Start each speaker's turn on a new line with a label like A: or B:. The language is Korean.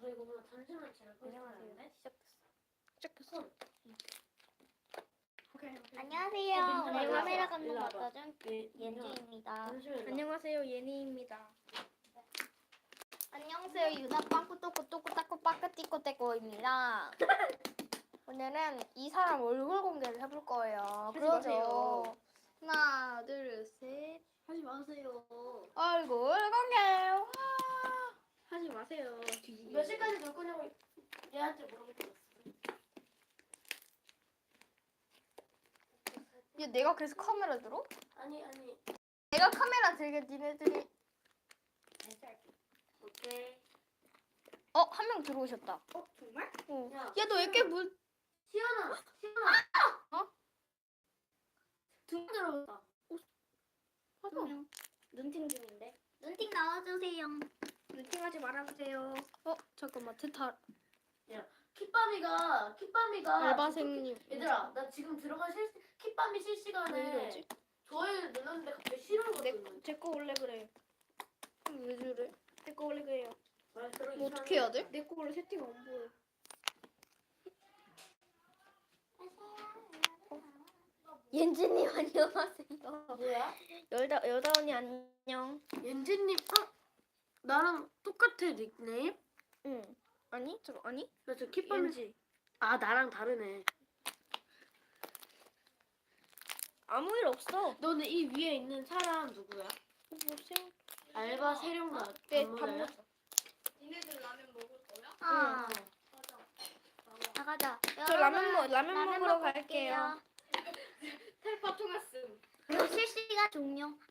A: 너 이거 보다 잠시만 지날 거야.
B: 안녕하세요. 시작했어.
C: 안녕하세요. 오늘
A: 민준아,
C: 카메라
A: 일로
C: 감독
A: 와봐.
C: 맡아준
A: 예,
C: 옌지입니다.
B: 안녕하세요. 예니입니다.
C: 안녕하세요. 유나 빵꾸또꾸또꾸따꾸 빠꾸띠꾸떼꾸입니다. 오늘은 이 사람 얼굴 공개를 해볼 거예요.
B: 하지
C: 그러죠.
B: 마세요.
C: 하나, 둘, 셋.
A: 하지 마세요.
C: 얼굴 공개. 와.
B: 하지 마세요.
A: 몇 시까지 놀 거냐고 얘한테 물어보고 있어.
C: 얘 내가 그래서 카메라 들어?
A: 아니.
C: 내가 카메라 들게 니네들이.
A: 오케이.
C: 한 명 들어오셨다.
B: 정말?
C: 어.
A: 야,
C: 야, 너 왜 이렇게 물?
A: 시연아.
C: 어?
A: 두 명 들어갔다.
B: 눈팅 중인데.
C: 눈팅 나와주세요.
B: 눈팅하지 말아주세요.
C: 잠깐만. 대타.
A: kit밤이가
C: 알바생님.
A: 얘들아, 나 지금 들어간 kit밤이
C: 왜
A: 실시간에
C: 이러지?
A: 좋아요 눌렀는데 갑자기 싫어가 뜨는.
B: 제거 원래 그래.
C: 왜 저래?
B: 내 거 원래 그래요.
C: 뭐 어떻게 해야 돼?
B: 내 거 원래 세팅 안 보여.
C: 옌지님 안녕하세요.
A: 뭐야?
C: 여다 언니 안녕.
A: 옌지님, 나랑 똑같아 닉네임?
C: 응. 아니? 아니?
A: 나 저 kit밤이
B: 왠지
A: 나랑 다르네.
C: 아무 일 없어.
A: 너는 이 위에 있는 사람 누구야?
C: 보세요.
A: 알바 세령가.
C: 네, 밥 먹자.
B: 니네들 라면 먹을 거야?
C: 아.
A: 응.
C: 나가자.
B: 저 라면 먹으러 갈게요.
A: 텔파 통했음.
C: 실시간 종료.